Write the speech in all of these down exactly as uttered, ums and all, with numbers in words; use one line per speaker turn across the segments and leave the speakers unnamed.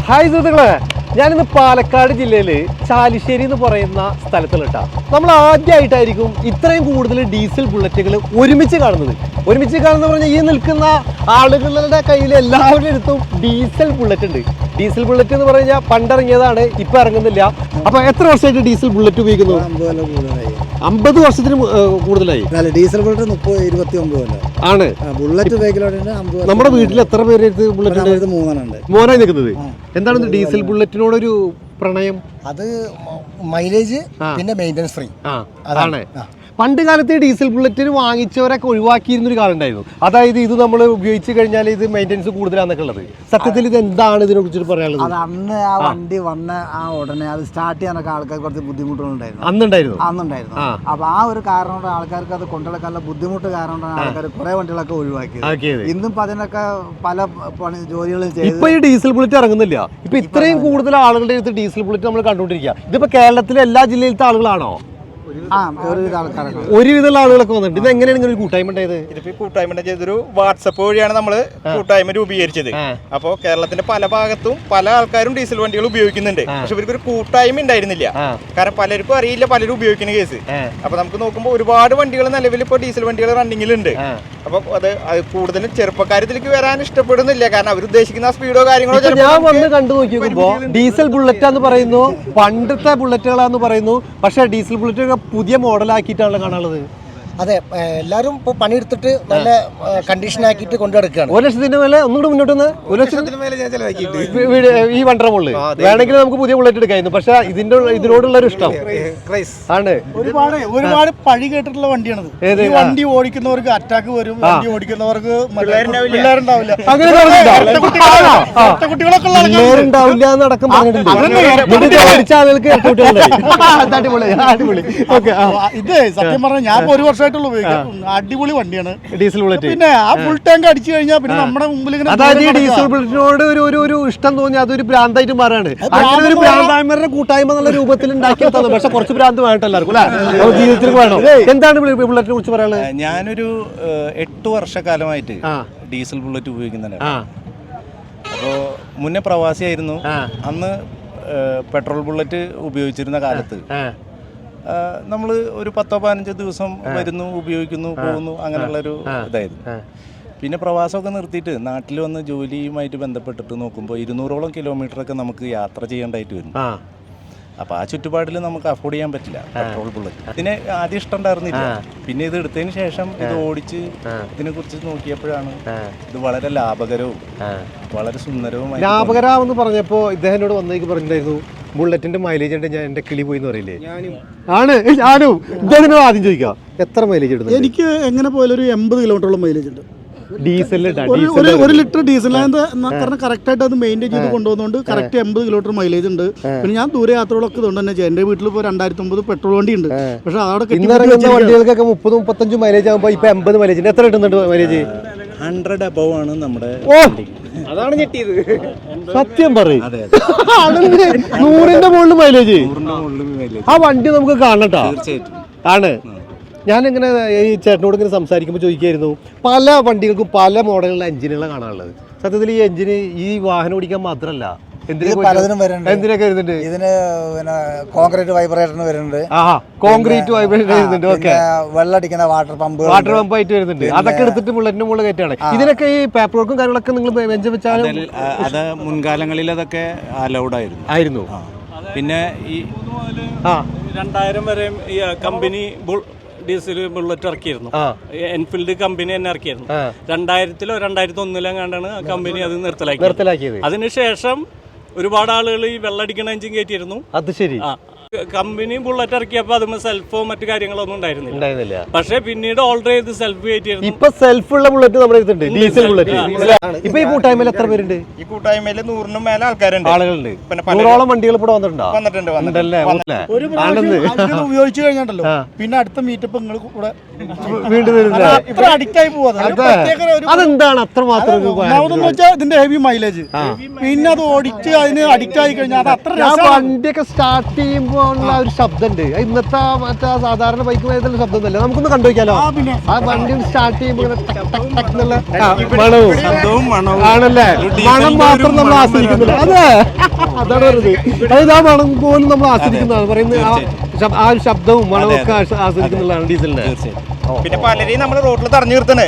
Hi സുഹൃത്തുക്കളെ, ഞാനിന്ന് പാലക്കാട് ജില്ലയിൽ ചാലിശ്ശേരി എന്ന് പറയുന്ന സ്ഥലത്തിലിട്ടാ. നമ്മൾ ആദ്യമായിട്ടായിരിക്കും ഇത്രയും കൂടുതൽ ഡീസൽ ബുള്ളറ്റുകൾ ഒരുമിച്ച് കാണുന്നത്. ഒരുമിച്ച് കാണുന്ന പറഞ്ഞാൽ ഈ നിൽക്കുന്ന ആളുകളുടെ കയ്യിൽ എല്ലാവരുടെ അടുത്തും ഡീസൽ ബുള്ളറ്റ് ഉണ്ട്. ഡീസൽ ബുള്ളറ്റ് എന്ന് പറഞ്ഞാൽ പണ്ടിറങ്ങിയതാണ്, ഇപ്പൊ ഇറങ്ങുന്നില്ല. അപ്പൊ എത്ര വർഷമായിട്ട് ഡീസൽ ബുള്ളറ്റ് ഉപയോഗിക്കുന്നു? അമ്പത് വർഷത്തിന് കൂടുതലായി.
ഡീസൽ ബുള്ളറ്റ് മുപ്പത് ഇരുപത്തി ഒമ്പത്
ആണ്.
ബുള്ളറ്റ്
നമ്മുടെ വീട്ടിൽ എത്ര പേര് ബുള്ളറ്റ്?
മൂന്നെണ്ണുണ്ട്.
മോനായി നിൽക്കുന്നത്. എന്താണ് ഡീസൽ ബുള്ളറ്റിനോടൊരു പ്രണയം?
അത് മൈലേജ് പിന്നെ മെയിൻ്റനൻസ് ഫ്രീ
അതാണ്. പണ്ട് കാലത്ത് ഡീസൽ ബുള്ളറ്റിന് വാങ്ങിച്ചവരൊക്കെ ഒഴിവാക്കിയിരുന്നൊരു കാലം ഉണ്ടായിരുന്നു. അതായത് ഇത് നമ്മൾ ഉപയോഗിച്ച് കഴിഞ്ഞാൽ ഇത് മെയിൻ്റനൻസ് കൂടുതലാന്നൊക്കെ ഉള്ളത്. സത്യത്തിൽ ഇത് എന്താണ് ഇതിനെ കുറിച്ചിട്ട് പറയാനുള്ളത്?
അത് അന്ന് ആ വണ്ടി വന്ന ആ ഉടനെ അത് സ്റ്റാർട്ട് ചെയ്യാനൊക്കെ ആൾക്കാർക്ക് കുറച്ച് ബുദ്ധിമുട്ടുകളുണ്ടായിരുന്നു.
അന്നുണ്ടായിരുന്നു
അന്നുണ്ടായിരുന്നു അപ്പൊ ആ ഒരു കാരണം കൊണ്ട് ആൾക്കാർക്ക് അത് കൊണ്ടുനടക്കാനുള്ള ബുദ്ധിമുട്ട് കാരണം കൊണ്ടാണ് ആൾക്കാർ കുറെ വണ്ടികളൊക്കെ ഒഴിവാക്കിയത്. ഇന്നും ഇപ്പൊ അതിനൊക്കെ പല പണി ജോലികളും ചെയ്തു.
ഇപ്പൊ ഈ ഡീസൽ ബുള്ളറ്റ് ഇറങ്ങുന്നില്ല. ഇപ്പൊ ഇത്രയും കൂടുതൽ ആളുകളുടെ അടുത്ത് ഡീസൽ ബുള്ളറ്റ് നമ്മൾ കണ്ടുകൊണ്ടിരിക്കുക. ഇതിപ്പോ കേരളത്തിലെ എല്ലാ ജില്ലയിലത്തെ ആളുകളാണോ? ഒരുവിധമുള്ള ആളുകളൊക്കെ വന്നിട്ടുണ്ട്. ഇത് എങ്ങനെയാണ് ഇങ്ങനെ ഒരു കൂട്ടായ്മ ഉണ്ടായത്?
ഇതിപ്പോ കൂട്ടായ്മ ചെയ്തൊരു വാട്സപ്പ് വഴിയാണ് നമ്മള് കൂട്ടായ്മ രൂപീകരിച്ചത്. അപ്പോ കേരളത്തിന്റെ പല ഭാഗത്തും പല ആൾക്കാരും ഡീസൽ വണ്ടികൾ ഉപയോഗിക്കുന്നുണ്ട്. പക്ഷെ ഇവർക്ക് ഒരു കൂട്ടായ്മ ഉണ്ടായിരുന്നില്ല. കാരണം പലർക്കും അറിയില്ല പലരും ഉപയോഗിക്കുന്ന കേസ്. അപ്പൊ നമുക്ക് നോക്കുമ്പോൾ ഒരുപാട് വണ്ടികൾ നിലവിൽ ഇപ്പൊ ഡീസൽ വണ്ടികൾ റണ്ണിങ്ങിലുണ്ട്. അപ്പൊ അത് കൂടുതലും ചെറുപ്പക്കാരത്തിലേക്ക് വരാൻ ഇഷ്ടപ്പെടുന്നില്ല. കാരണം അവർ ഉദ്ദേശിക്കുന്ന സ്പീഡോ കാര്യങ്ങളോ.
ഞാൻ വന്ന് കണ്ടു നോക്കിയപ്പോ ഡീസൽ ബുള്ളറ്റാന്ന് പറയുന്നു, പണ്ടത്തെ ബുള്ളറ്റുകളാന്ന് പറയുന്നു. പക്ഷെ ഡീസൽ ബുള്ളറ്റ് പുതിയ മോഡലാക്കിയിട്ടാണല്ലോ കാണാനുള്ളത്.
അതെ, എല്ലാരും ഇപ്പൊ പണിയെടുത്തിട്ട് നല്ല കണ്ടീഷൻ ആക്കിയിട്ട് കൊണ്ടുനടക്കുകയാണ്.
ഒരു ലക്ഷത്തിന്റെ മേലെ ഒന്നുകൂടെ മുന്നോട്ട് വന്ന് ഒരു ലക്ഷത്തിന് മേലെ ഞാൻ ചെലവാക്കിയിട്ട് ഈ വണ്ടർ മുകളിൽ വേണമെങ്കിൽ നമുക്ക് പുതിയ ബുള്ളറ്റ് എടുക്കായിരുന്നു. പക്ഷെ ഇതിന്റെ ഇതിനോടുള്ള ഒരു ഇഷ്ടം ആണ്.
ഒരുപാട് ഒരുപാട് പഴി കേട്ടിട്ടുള്ള വണ്ടിയാണത്. ഈ വണ്ടി ഓടിക്കുന്നവർക്ക് അറ്റാക്ക് വരും, വണ്ടി ഓടിക്കുന്നവർക്ക് പിള്ളേരുണ്ടാവില്ല,
പിള്ളേരുണ്ടാവില്ല എന്നടക്കം പറഞ്ഞിട്ടുണ്ട്. ഓടിച്ച ആളുകൾക്ക് അടിപൊളി.
ഇത് സത്യം പറഞ്ഞാൽ ഞാൻ ഒരു വർഷം അടിപൊളി വണ്ടിയാണ്
ഡീസൽ ബുള്ളറ്റ്.
പിന്നെ ആ ഫുൾ ടാങ്ക് അടിച്ചു കഴിഞ്ഞാൽ പിന്നെ നമ്മുടെ മുമ്പിൽ ഇങ്ങനെ
അതായത് ഈ ഡീസൽ ബുള്ളറ്റിനോട് ഒരു ഒരു ഇഷ്ടം തോന്നി അതൊരു ഭ്രാന്തായിട്ട് മാറാണ്. അങ്ങനെ ഒരു ഭ്രാന്തായ്മരുടെ കൂട്ടായ്മ എന്നുള്ള രൂപത്തിൽ ഉണ്ടാക്കിയെടുത്തത്. പക്ഷെ കുറച്ച് ഭ്രാന്ത് വേണ്ട എല്ലാവർക്കും അല്ലെ, ജീവിതത്തിൽ വേണം. എന്താണ് ബുള്ളറ്റിനെ കുറിച്ച് പറയാനുള്ളത്?
ഞാനൊരു എട്ട് വർഷക്കാലമായിട്ട് ഡീസൽ ബുള്ളറ്റ് ഉപയോഗിക്കുന്നുണ്ട്. അപ്പോ മുന്നേ പ്രവാസിയായിരുന്നു. അന്ന് പെട്രോൾ ബുള്ളറ്റ് ഉപയോഗിച്ചിരുന്ന കാലത്ത് നമ്മൾ ഒരു പത്തോ പതിനഞ്ചോ ദിവസം വരുന്നു, ഉപയോഗിക്കുന്നു, പോകുന്നു, അങ്ങനെയുള്ളൊരു ഇതായിരുന്നു. പിന്നെ പ്രവാസമൊക്കെ നിർത്തിയിട്ട് നാട്ടിൽ വന്ന് ജോലിയുമായിട്ട് ബന്ധപ്പെട്ടിട്ട് നോക്കുമ്പോൾ ഇരുന്നൂറോളം കിലോമീറ്ററൊക്കെ നമുക്ക് യാത്ര ചെയ്യേണ്ടതായിട്ട് വരും. അപ്പോൾ ആ ചുറ്റുപാടിൽ നമുക്ക് അഫോർഡ് ചെയ്യാൻ പറ്റില്ല പെട്രോൾ ബുള്ളറ്റ്. ഇതിന് ആദ്യം ഇഷ്ടം ഉണ്ടായിരുന്നില്ല. പിന്നെ ഇത് എടുത്തതിന് ശേഷം ഇത് ഓടിച്ച് ഇതിനെ കുറിച്ച് നോക്കിയപ്പോഴാണ് ഇത് വളരെ ലാഭകരവും വളരെ സുന്ദരവും.
ലാഭകരമെന്ന് പറഞ്ഞപ്പോൾ ഇദ്ദേഹത്തോട് വന്നേക്ക് പറഞ്ഞിട്ടുണ്ടായിരുന്നു ബുള്ളറ്റിന്റെ മൈലേജ് ഉണ്ട്, ഞാൻ എന്റെ കിളി പോയി എന്ന് പറയില്ലേ? ആണ് ഞാനും ഇദ്ദേഹത്തിനോട് ആദ്യം ചോദിക്കാം, എത്ര മൈലേജ് ഇടുന്നത്?
എനിക്ക് എങ്ങനെ പോയാലും ഒരു എൺപത് കിലോമീറ്ററോളം മൈലേജ് ഉണ്ട്.
ഡീസലിന്
ഒരു ലിറ്റർ ഡീസൽ കാരണം കറക്റ്റ് ആയിട്ട് അത് മെയിൻറ്റെയിൻ ചെയ്ത് കൊണ്ടുപോകുന്നതുകൊണ്ട് കറക്റ്റ് എൺപത് കിലോമീറ്റർ മൈലേജ് ഉണ്ട്. പിന്നെ ഞാൻ ദൂരെ യാത്രകളൊക്കെ ഇതുകൊണ്ട് തന്നെ എന്റെ വീട്ടിൽ ഇപ്പോൾ രണ്ടായിരത്തി ഒമ്പത് പെട്രോൾ വണ്ടി ഉണ്ട്. പക്ഷെ
അവിടെ വണ്ടികൾക്കൊക്കെ മുപ്പത് മുപ്പത്തഞ്ച് മൈലേജ് ആകുമ്പോൾ ഇപ്പൊ എൺപത് മൈലേജ് എത്ര കിട്ടുന്നുണ്ട് മൈലേജ്?
ഹൺഡ്രഡ് അബവ് ആണ് നമ്മുടെ.
അതാണ് ഞെട്ടിയത്. സത്യം പറയും, നൂറിന്റെ മുകളിൽ മൈലേജ്. ആ വണ്ടി നമുക്ക് കാണട്ടോ. ആണ്. ഞാനിങ്ങനെ ഈ ചേട്ടനോട് ഇങ്ങനെ സംസാരിക്കുമ്പോൾ ചോദിക്കായിരുന്നു, പല വണ്ടികൾക്കും പല മോഡലുള്ള എഞ്ചിനുകളാണ് കാണാനുള്ളത്. സത്യത്തിൽ ഈ എഞ്ചിന് ഈ വാഹനം ഓടിക്കാൻ മാത്രമല്ല
പലതിനും വരുന്നുണ്ട്.
എന്തിനൊക്കെ വരുന്നുണ്ട്?
ഇതിന് പിന്നെ കോൺക്രീറ്റ് വൈബ്രേറ്ററിന് വരുന്നുണ്ട്.
കോൺക്രീറ്റ് വൈബ്രേറ്റർ വരുന്നുണ്ട്. ഓക്കെ.
വെള്ളടിക്കുന്ന വാട്ടർ പമ്പ്
വാട്ടർ പമ്പ് ആയിട്ട് വരുന്നുണ്ട്. അതൊക്കെ എടുത്തിട്ട് ബുള്ളറ്റിന്റെ മുകളിൽ കയറ്റാണ്. ഇതിനൊക്കെ ഈ പേപ്പർ വർക്കും കാര്യങ്ങളൊക്കെ നിങ്ങൾ വെഞ്ചം വെച്ചാൽ
അത് മുൻകാലങ്ങളിൽ അതൊക്കെ അലൗഡ് ആയിരുന്നു
ആയിരുന്നു
പിന്നെ ഈ രണ്ടായിരം വരെ ഈ കമ്പനി ഡീസൽ ബുള്ളറ്റ് ഇറക്കിയിരുന്നു. എൻഫീൽഡ് കമ്പനി തന്നെ ഇറക്കിയിരുന്നു. രണ്ടായിരത്തിലോ രണ്ടായിരത്തി ഒന്നിലോ കണ്ടാണ് കമ്പനി അത് നിർത്തലാക്കി നിർത്തലാക്കിയത്. അതിനുശേഷം ഒരുപാട് ആളുകൾ ഈ വെള്ളടിക്കണ എഞ്ചിൻ കയറ്റിയിരുന്നു.
അത് ശരി.
കമ്പനി ബുള്ളറ്റ് ഇറക്കിയപ്പോ അതുമ്പോ സെൽഫോ മറ്റു കാര്യങ്ങളൊന്നും ഉണ്ടായിരുന്നില്ല. പക്ഷെ പിന്നീട് ഓൾറെഡി ചെയ്ത് സെൽഫ് കയറ്റിയിരുന്നു.
ഇപ്പൊ സെൽഫ് ഉള്ള ബുള്ളറ്റ് നമ്മുടെ അടുത്തുണ്ട്, ഡീസൽ ബുള്ളറ്റ്. ഇപ്പൊ ഈ കൂട്ടായ്മയിൽ എത്ര പേരുണ്ട്?
ഈ കൂട്ടായ്മയിൽ നൂറിനും മേലെ ആൾക്കാരുണ്ട്,
ആളുകളുണ്ട്. നൂറോളം വണ്ടികൾ ഇവിടെ വന്നിട്ടുണ്ടോ?
വന്നിട്ടുണ്ട് വന്നിട്ടുണ്ടല്ലേ.
ഉപയോഗിച്ചു കഴിഞ്ഞാണ്ടല്ലോ പിന്നെ അടുത്ത മീറ്റപ്പ് നിങ്ങൾ കൂടെ
വീണ്ടും
അഡിക്റ്റ് ആയി പോകുന്നത്.
അതെന്താണ് അത്ര മാത്രം?
വെച്ചാൽ ഇതിന്റെ ഹെവി മൈലേജ്, പിന്നെ അത് ഓടിച്ച് അതിന് അഡിക്റ്റ് ആയി കഴിഞ്ഞാൽ അത് അത്ര
വണ്ടിയൊക്കെ സ്റ്റാർട്ട് ചെയ്യുമ്പോൾ പോകാനുള്ള ഒരു ശബ്ദം ഉണ്ട്. ഇന്നത്തെ മറ്റേ സാധാരണ ബൈക്ക് പോയതുള്ള ശബ്ദം ഒന്നല്ല. നമുക്കൊന്ന് കണ്ടുവയ്ക്കാലോ. ആ വണ്ടി സ്റ്റാർട്ട് ചെയ്യുമ്പോൾ മണവും ആണല്ലേ, മണം മാത്രം നമ്മൾ ആസ്വദിക്കുന്നില്ല. അതെ, അതാണ് പറയുന്നത്. അതായത് ആ മണം പോലും നമ്മൾ ആസ്വദിക്കുന്നതാണ് പറയുന്നത്. ആ ഒരു ശബ്ദവും മണവും ഒക്കെ ആസ്വദിക്കുന്നുള്ളതാണ് ഡീസലിന്റെ.
പിന്നെ പലരെയും നമ്മൾ റോഡിൽ തടഞ്ഞു നിർത്തണേ,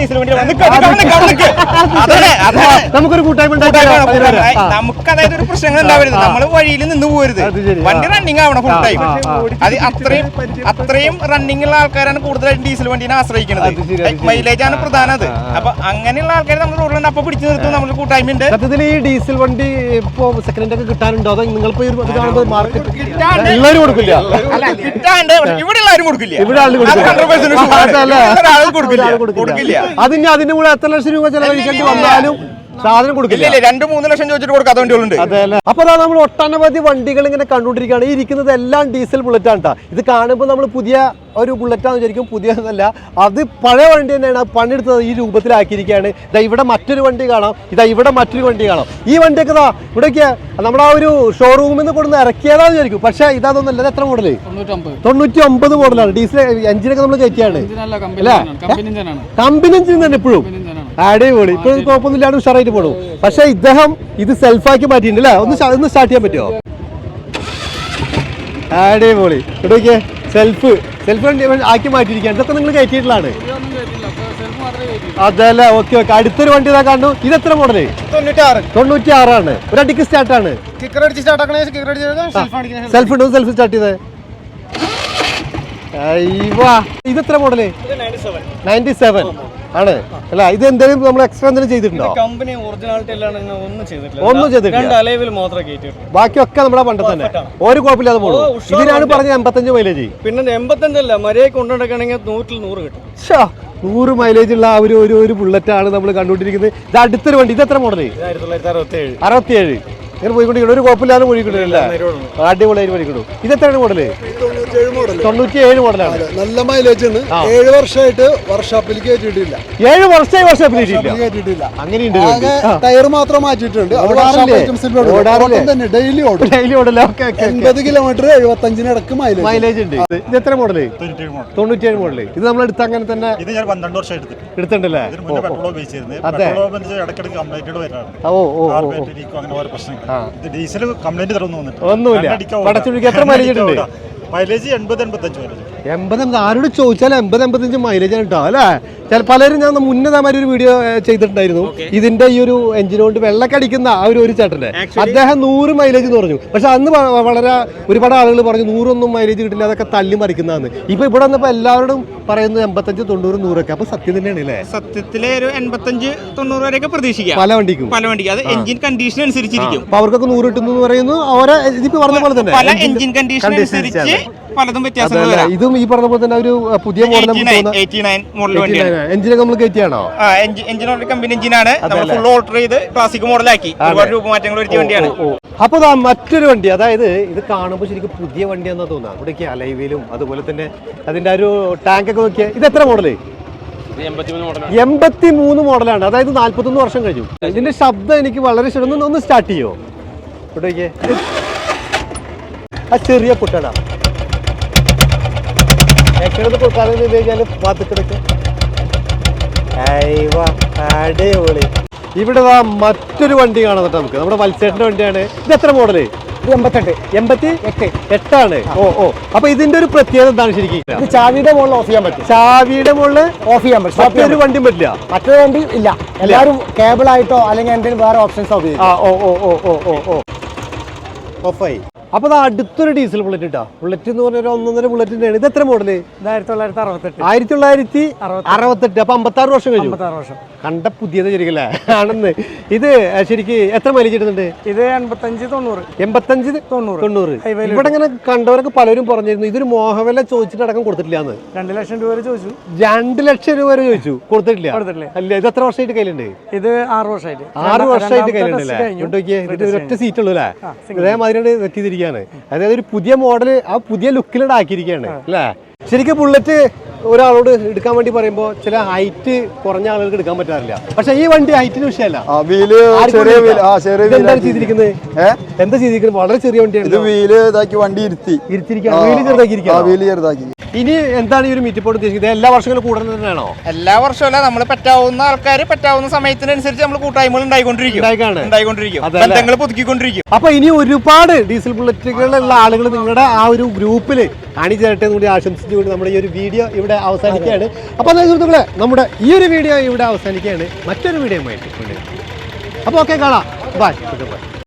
നമുക്കൊരു കൂട്ടായ്മ
നമുക്ക് അതായത് ഒരു പ്രശ്നങ്ങൾ ഉണ്ടാവരുത്, നമ്മൾ വഴിയിൽ നിന്ന് പോകരുത്, വണ്ടി റണ്ണിങ് ആവണം ഫുൾ ടൈം. അത് അത്രയും അത്രയും റണ്ണിങ് ഉള്ള ആൾക്കാരാണ് കൂടുതലായിട്ടും ഡീസൽ വണ്ടിനെ ആശ്രയിക്കുന്നത്. മൈലേജ് ആണ് പ്രധാനം. അത് അപ്പൊ അങ്ങനെയുള്ള ആൾക്കാർ നമ്മൾ റോഡിൽ അപ്പൊ പിടിച്ചു നിർത്തും നമ്മൾ കൂട്ടായ്മ ഉണ്ട്.
സത്യത്തിൽ ഈ ഡീസൽ വണ്ടി ഇപ്പൊ സെക്കൻഡ് ഹാൻഡ് ഒക്കെ കിട്ടാനുണ്ടോ? അതോ നിങ്ങളിപ്പോ മാർക്കറ്റ് എല്ലാവരും കൊടുക്കില്ല?
അല്ല, കിട്ടാണ്ട് ഇവിടെ എല്ലാവരും കൊടുക്കില്ല.
ഇവിടെ ആളുകൾ
കൊടുക്കില്ല.
അതിന് അതിന്റെ കൂടെ എത്ര ലക്ഷം രൂപ ചെലവഴിക്കേണ്ടി വന്നാലും സാധനം കൊടുക്കില്ല.
രണ്ട് മൂന്ന് ലക്ഷം ചോദിച്ചിട്ട് കൊടുക്കാത്ത വണ്ടികളുണ്ട്.
അതെല്ലേ. അപ്പൊ അതാ നമ്മൾ ഒട്ടനവധി വണ്ടികൾ ഇങ്ങനെ കണ്ടുകൊണ്ടിരിക്കുകയാണ്. ഈ ഇരിക്കുന്നത് എല്ലാം ഡീസൽ ബുള്ളറ്റ് ആണ്. ഇത് കാണുമ്പോൾ നമ്മൾ പുതിയ ഒരു ബുള്ളറ്റാന്ന് വിചാരിക്കും. പുതിയതല്ല, അത് പഴയ വണ്ടി തന്നെയാണ്. പണിയെടുത്തത് ഈ രൂപത്തിലാക്കിയിരിക്കുകയാണ്. ഇതാ ഇവിടെ മറ്റൊരു വണ്ടി കാണാം, ഇതാ ഇവിടെ മറ്റൊരു വണ്ടി കാണാം. ഈ വണ്ടിയൊക്കെ ഇതാ ഇവിടെയൊക്കെ നമ്മുടെ ആ ഒരു ഷോറൂമിൽ നിന്ന് കൊടുന്ന് ഇറക്കിയതാന്ന് വിചാരിക്കും. പക്ഷെ ഇതൊന്നല്ല. ഇത് എത്ര മോഡല്? തൊണ്ണൂറ്റി ഒമ്പത് മോഡലാണ്. ഡീസൽ എഞ്ചിനൊക്കെ നമ്മൾ കയറ്റിയാണ് അല്ലേ? കമ്പനി എഞ്ചിൻ തന്നെ ഇപ്പോഴും അടിപൊളി. ഇപ്പോഴും കുഴപ്പമൊന്നുമില്ലാണ്ട് ഉഷാറായിട്ട് പോടും. പക്ഷെ ഇദ്ദേഹം ഇത് സെൽഫാക്കി മാറ്റിയിട്ടുണ്ട് അല്ലേ? ഒന്ന് ഒന്ന് സ്റ്റാർട്ട് ചെയ്യാൻ പറ്റുമോ? അടിപൊളി. ഇവിടെയൊക്കെ സെൽഫ് സെൽഫ് വണ്ടി ആക്കി മാറ്റിയിരിക്കുകയാണ്. ഇതൊക്കെ നിങ്ങൾ കയറ്റിയിട്ടുള്ളതാണ്? അതല്ലേ. Okay okay. അടുത്തൊരു വണ്ടി ഇതാ കാണുന്നു. ഇത് എത്ര മോഡല്? തൊണ്ണൂറ്റി ആറാണ്. ഒരു അടിക്ക് സ്റ്റാർട്ടാണ്. സെൽഫ് ഉണ്ടോ? സെൽഫ് സ്റ്റാർട്ട് ചെയ്തേ. ഇത് എത്ര മോഡല്? നയൻറ്റി സെവൻ ആണ് അല്ല. ഇത് എന്തെങ്കിലും നമ്മൾ എക്സ്ട്രാ എന്തെങ്കിലും ചെയ്തിട്ടുണ്ടോ?
കമ്പനി ഒറിജിനാലിറ്റി ഒന്നും ചെയ്തിട്ടില്ല.
ഒന്നും ചെയ്തിട്ടില്ല. ബാക്കിയൊക്കെ നമ്മുടെ പണ്ട് തന്നെ ഒരു കുഴപ്പമില്ലാതെ പോകും. ഇതിനാണ് പറഞ്ഞത് എൺപത്തഞ്ച് മൈലേജ്.
പിന്നെ എൺപത്തഞ്ചല്ല, മര്യാദ കൊണ്ടുനടക്കുകയാണെങ്കിൽ നൂറ്റിൽ നൂറ് കിട്ടും.
നൂറ് മൈലേജ് ഉള്ള ആ ഒരു ഒരു ബുള്ളറ്റ് ആണ് നമ്മൾ കണ്ടുകൊണ്ടിരിക്കുന്നത്. ഇത് അടുത്തൊരു വണ്ടി. ഇത് എത്ര മോഡല്? അറുപത്തിയേഴ്. ഇങ്ങനെ പോയിക്കൊണ്ടിരിക്കണം. ഒരു കുഴപ്പമില്ലാതെ പോയിക്കൊണ്ടിരിക്കില്ല. അടിപൊളിയായിട്ട് പോയിക്കൊണ്ടു. ഇത് എത്രയാണ് മോഡല്? തൊണ്ണൂറ്റി ഏഴ് മോഡലാണ്.
നല്ല മൈലേജ് ആണ്. ഏഴ് വർഷമായിട്ട് വർക്ക്ഷോപ്പിൽ കയറ്റിയിട്ടില്ല.
ഏഴ് വർഷമായി വർക്ക്ഷോപ്പിൽ കയറ്റിയിട്ടില്ല. അങ്ങനെയുണ്ട്.
ടയർ മാത്രം മാറ്റിയിട്ടുണ്ട്. ഡെയിലി ഓടും.
ഡെയിലി ഓടല്ലേ.
എൺപത് കിലോമീറ്റർ എഴുപത്തഞ്ചിന് ഇടക്ക് മൈലേജ്
മൈലേജ് ഉണ്ട്. ഇത് എത്ര മോഡല്? തൊണ്ണൂറ്റിയേഴ് മോഡല്. ഇത് നമ്മൾ എടുത്ത് അങ്ങനെ തന്നെ എടുത്തിട്ടുണ്ടല്ലേ? ഓ ഓ ഒന്നുമില്ല. പടച്ചുടിക്ക് എത്ര മൈലേജ് ഉണ്ട്?
മൈലേജ് എൺപത് എൺപത്തഞ്ച് മൈലേജ്.
എൺപത് ആരോട് ചോദിച്ചാൽ എൺപത് എൺപത്തഞ്ച് മൈലേജ് ആണ് കേട്ടോ അല്ലേ? ചില പലരും ഞാൻ മുന്നേമാതിരി ഒരു വീഡിയോ ചെയ്തിട്ടുണ്ടായിരുന്നു. ഇതിന്റെ ഈ ഒരു എഞ്ചിൻ കൊണ്ട് വെള്ളക്കടിക്കുന്ന ആ ഒരു ഒരു ചേട്ടന്റെ അദ്ദേഹം നൂറ് മൈലേജ് എന്ന് പറഞ്ഞു. പക്ഷെ അന്ന് വളരെ ഒരുപാട് ആളുകൾ പറഞ്ഞു നൂറൊന്നും മൈലേജ് കിട്ടില്ല, അതൊക്കെ തല്ലി മറിക്കുന്നതാണ്. ഇപ്പൊ ഇവിടെ വന്നപ്പോ എല്ലാവരോടും പറയുന്നത് എൺപത്തഞ്ച് തൊണ്ണൂറ് നൂറൊക്കെ. അപ്പൊ സത്യം തന്നെയാണ് അല്ലേ?
സത്യത്തിലെ ഒരു എൺപത്തഞ്ച് തൊണ്ണൂറ് വരെയൊക്കെ പ്രതീക്ഷിക്കാം പല
വണ്ടിക്കും.
പല വണ്ടിക്ക് അത് എഞ്ചിൻ കണ്ടീഷൻ അനുസരിച്ചിരിക്കും.
അപ്പൊ അവർക്കൊക്കെ നൂറ് കിട്ടുന്നു എന്ന് പറയുന്നു. അവരെ ഇതിപ്പോ പറഞ്ഞ പോലെ തന്നെ
പല എഞ്ചിൻ കണ്ടീഷൻ അനുസരിച്ച് പലതും വ്യത്യാസങ്ങൾ.
ഇതും ഈ പറഞ്ഞ പോലെ തന്നെ ഒരു പുതിയ മോഡൽ എഞ്ചിനൊക്കെ നമ്മൾ കയറ്റിയാണോ?
എഞ്ചിൻ കമ്പനി എഞ്ചിനാണ്. നമ്മൾ ഫുൾ ഓൾട്ടർ ചെയ്ത് ക്ലാസിക് മോഡലാക്കി ഒരുപാട് രൂപമാറ്റങ്ങൾ വരുത്തിയ വണ്ടിയാണ്.
അപ്പൊ മറ്റൊരു വണ്ടി, അതായത് ഇത് കാണുമ്പോൾ ശരിക്കും പുതിയ വണ്ടിയാണെന്നാ തോന്നുക. ഇവിടേക്ക് അലൈവിലും അതുപോലെ തന്നെ അതിന്റെ ഒരു ടാങ്ക് ഒക്കെ നോക്കിയാൽ ഇത് എത്ര മോഡല്? എൺപത്തി മൂന്ന് മോഡലാണ്. അതായത് നാല്പത്തൊന്ന് വർഷം കഴിഞ്ഞു. ഇതിന്റെ ശബ്ദം എനിക്ക് വളരെ ഇഷ്ടം. ഒന്ന് സ്റ്റാർട്ട് ചെയ്യോ? ഇവിടേക്ക് ആ ചെറിയ കുട്ടടാ കൊടുക്കാതെ കഴിഞ്ഞാല് പാത്തിക്കിടക്ക്. അടിപൊളി. ഇവിടെ മറ്റൊരു വണ്ടി കാണാം നമുക്ക്. നമ്മുടെ വത്സേട്ടന്റെ വണ്ടിയാണ്. ഇത് എത്ര മോഡല്?
എൺപത്തെട്ട്
എൺപത്തി എട്ട് എട്ടാണ്. ഓ ഓ അപ്പൊ ഇതിന്റെ ഒരു പ്രത്യേകത എന്താണ് ശരിക്കും?
ഇത് ചാവിയുടെ മുകളിൽ ഓഫ് ചെയ്യാൻ പറ്റും.
ചാവിയുടെ മുകളിൽ
ഓഫ് ചെയ്യാൻ പറ്റും.
മറ്റൊരു വണ്ടിയും പറ്റില്ല.
മറ്റൊരു വണ്ടി ഇല്ല. എല്ലാവരും കേബിൾ ആയിട്ടോ അല്ലെങ്കിൽ എന്തെങ്കിലും വേറെ ഓപ്ഷൻസ് ഉപയോഗിക്കും.
ഓ ഓ ഓ ഓ ഓ ഓ ഓഫായി. അപ്പൊ അത് അടുത്തൊരു ഡീസൽ ബുള്ളറ്റ് ഇട്ടാ. ബുള്ളറ്റ് എന്ന് പറഞ്ഞ ഒന്നൊന്നര ബുള്ളറ്റിന്റെ ആണ്. ഇത് എത്ര മോഡല്?
ആയിരത്തി തൊള്ളായിരത്തി അറുപത്തെട്ട്
ആയിരത്തി തൊള്ളായിരത്തി അറുപത്തെട്ട്. അപ്പൊ അമ്പത്താറ് വർഷം കഴിഞ്ഞു.
വർഷം
കണ്ട പുതിയത് ശരിക്കല്ലേ ആണെന്ന്. ഇത് ശരിക്ക് എത്ര മൈലേജ് കിട്ടുന്നുണ്ട്?
ഇത് എൺപത്തഞ്ച് തൊണ്ണൂറ്.
എൺപത്തഞ്ച് തൊണ്ണൂറ് തൊണ്ണൂറ് ഇവിടെ ഇങ്ങനെ കണ്ടവരൊക്കെ പലരും പറഞ്ഞിരുന്നു ഇതൊരു മോഹവില ചോദിച്ചിട്ട് അടക്കം കൊടുത്തിട്ടില്ല എന്ന്.
രണ്ട് ലക്ഷം രൂപ വരെ ചോദിച്ചു.
രണ്ട് ലക്ഷം രൂപ വരെ ചോദിച്ചു, കൊടുത്തിട്ടില്ല. അല്ല, ഇത് എത്ര വർഷമായിട്ട് കയ്യിലുണ്ട്?
ഇത് ആറ് വർഷമായിട്ട്
ആറ് വർഷമായിട്ട് കയ്യിലുണ്ടല്ലേ? നോക്കിയേ, ഇതിന്റെ ഒറ്റ സീറ്റ് ഉള്ളൂ അല്ലേ? ഇതേമാതിരി വെറ്റിയിരിക്കുകയാണ്. അതായത് ഒരു പുതിയ മോഡല് ആ പുതിയ ലുക്കിലൂടെ ആക്കിയിരിക്കുകയാണ് അല്ലേ? ശരിക്കും ബുള്ളറ്റ് ഒരാളോട് എടുക്കാൻ വേണ്ടി പറയുമ്പോൾ ചില ഹൈറ്റ് കുറഞ്ഞ ആളുകൾക്ക് എടുക്കാൻ പറ്റാറില്ല. പക്ഷെ ഈ വണ്ടി ഹൈറ്റിന് വിഷയമല്ല. എന്താ ചെയ്തിരിക്കുന്നത്? എന്താ ചെയ്തിരിക്കുന്നത്? വളരെ ചെറിയ വണ്ടിയാണ്.
ഇത് വീല് ഇതാക്കി വണ്ടി ഇരുത്തി
ഇരുത്തിരിക്കുക, വീല് ചെറുതാക്കി. ഇനി എന്താണ് ഈ ഒരു മീറ്റപ്പോട് ഉദ്ദേശിക്കുന്നത്? എല്ലാ വർഷങ്ങളും കൂടുന്നത് തന്നെയാണോ?
എല്ലാ വർഷമല്ല, നമ്മൾ പറ്റാവുന്ന ആൾക്കാർ പറ്റാവുന്ന സമയത്തിനനുസരിച്ച് നമ്മൾ കൂട്ടായ്മകൾ ഉണ്ടായിക്കൊണ്ടിരിക്കും ഉണ്ടായിക്കൊണ്ടിരിക്കും ബന്ധങ്ങൾ പുതുക്കിക്കൊണ്ടിരിക്കും.
അപ്പൊ ഇനി ഒരുപാട് ഡീസൽ ബുള്ളറ്റുകളുള്ള ആളുകൾ നിങ്ങളുടെ ആ ഒരു ഗ്രൂപ്പിൽ അണിചേരട്ടെ എന്ന് കൂടി ആശംസിച്ചുകൊണ്ട് നമ്മുടെ ഈ ഒരു വീഡിയോ ഇവിടെ അവസാനിക്കുകയാണ്. അപ്പൊ അതായത് സുഹൃത്തുക്കളെ, നമ്മുടെ ഈ ഒരു വീഡിയോ ഇവിടെ അവസാനിക്കുകയാണ്. മറ്റൊരു വീഡിയോ ആയിട്ട്. അപ്പൊ ഓക്കെ, കാണാം. ബൈ.